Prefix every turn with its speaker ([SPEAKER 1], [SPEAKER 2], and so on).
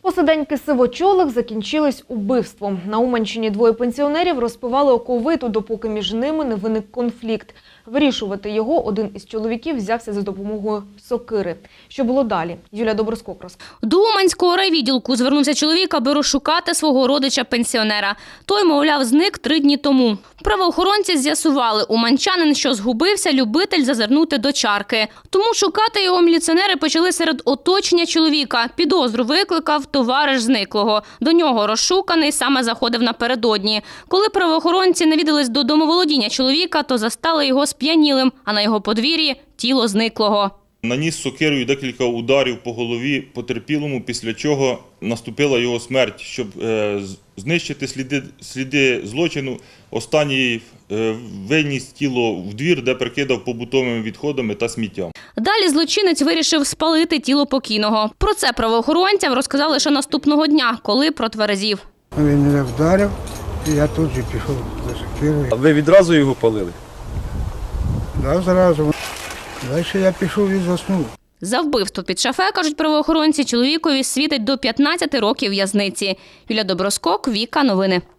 [SPEAKER 1] Посиденьки сивочолих закінчились убивством. На Уманщині двоє пенсіонерів розпивали оковиту, допоки між ними не виник конфлікт. Вирішувати його один із чоловіків взявся за допомогою сокири. Що було далі? Юлія Доброскок розкаже.
[SPEAKER 2] До Уманського райвідділку звернувся чоловік, аби розшукати свого родича-пенсіонера. Той, мовляв, зник 3 дні тому. Правоохоронці з'ясували, уманчанин, що згубився, любитель зазирнути до чарки. Тому шукати його міліціонери почали серед оточення чоловіка. Підозру викликав товариш зниклого. До нього розшуканий саме заходив напередодні. Коли правоохоронці навідались до домоволодіння чоловіка, то застали його сп'янілим, а на його подвір'ї – тіло зниклого.
[SPEAKER 3] Наніс сокирою декілька ударів по голові потерпілому, після чого наступила його смерть. Щоб знищити сліди злочину, останній виніс тіло в двір, де прикидав побутовими відходами та сміттям.
[SPEAKER 2] Далі злочинець вирішив спалити тіло покійного. Про це правоохоронцям розказали лише наступного дня, коли протверезів.
[SPEAKER 4] Він мене вдарив, і я тут же пішов за сокирою.
[SPEAKER 5] А ви відразу його палили?
[SPEAKER 4] Да, зразу. Далі я пішов і заснув.
[SPEAKER 2] За вбивство під шафе, кажуть правоохоронці, чоловікові світить до 15 років в'язниці. Юлія Доброскок, Віка, новини.